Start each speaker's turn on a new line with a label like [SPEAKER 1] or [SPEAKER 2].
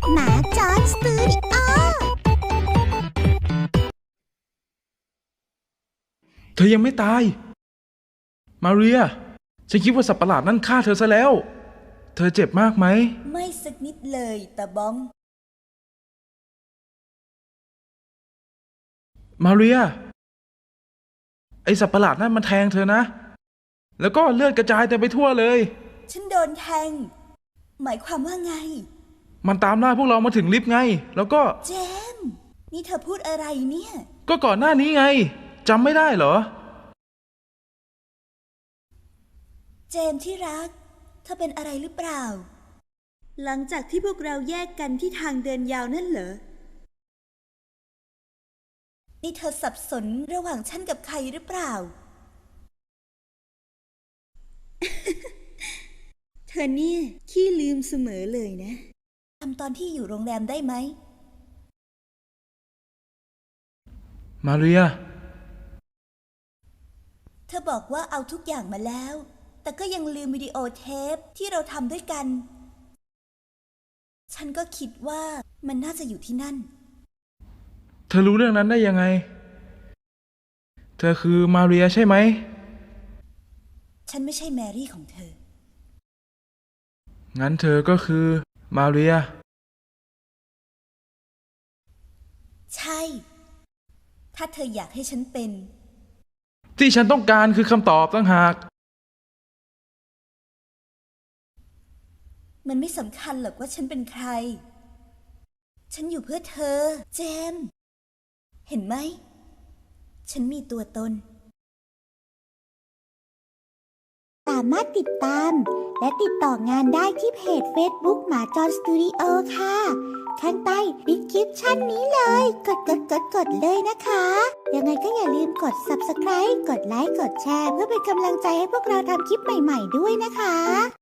[SPEAKER 1] หมาจอร์จสตูดิโอ
[SPEAKER 2] เธอยังไม่ตายมาเรียฉันคิดว่าสัตว์ประหลาดนั่นฆ่าเธอซะแล้วเธอเจ็บมากไหม
[SPEAKER 3] ไม่สักนิดเลยตาบ้อง
[SPEAKER 2] มาเรียไอสัตว์ประหลาดนั่นมันแทงเธอนะแล้วก็เลือดกระจายเต็มไปทั่วเลย
[SPEAKER 3] ฉันโดนแทงหมายความว่าไง
[SPEAKER 2] มันตามล่าพวกเรามาถึงลิฟต์ไงแล้วก็
[SPEAKER 3] เจมส์นี่เธอพูดอะไรเนี่ย
[SPEAKER 2] ก็ก่อนหน้านี้ไงจำไม่ได้เหรอ
[SPEAKER 3] เจมส์ที่รักเธอเป็นอะไรหรือเปล่าหลังจากที่พวกเราแยกกันที่ทางเดินยาวนั่นเหรอนี่เธอสับสนระหว่างฉันกับใครหรือเปล่า เธอเนี่ยขี้ลืมเสมอเลยนะทำตอนที่อยู่โรงแรมได้ไหม
[SPEAKER 2] มาเรีย
[SPEAKER 3] เธอบอกว่าเอาทุกอย่างมาแล้วแต่ก็ยังลืมวิดีโอเทปที่เราทำด้วยกันฉันก็คิดว่ามันน่าจะอยู่ที่นั่น
[SPEAKER 2] เธอรู้เรื่องนั้นได้ยังไงเธอคือมาเรียใช่ไหม
[SPEAKER 3] ฉันไม่ใช่แมรี่ของเธอ
[SPEAKER 2] งั้นเธอก็คือมาเรีย
[SPEAKER 3] ใช่ถ้าเธออยากให้ฉันเป็น
[SPEAKER 2] ที่ฉันต้องการคือคำตอบต่างหาก
[SPEAKER 3] มันไม่สำคัญหรอกว่าฉันเป็นใครฉันอยู่เพื่อเธอเจมส์เห็นไหมฉันมีตัวตน
[SPEAKER 1] สามารถติดตามและติดต่องานได้ที่เพจ Facebook หมาจอร์จสตูดิโอค่ะข้างใต้ดีสคริปชั่นนี้เลยกดเลยนะคะยังไงก็อย่าลืมกด Subscribe กดไลค์กดแชร์เพื่อเป็นกำลังใจให้พวกเราทำคลิปใหม่ๆด้วยนะคะ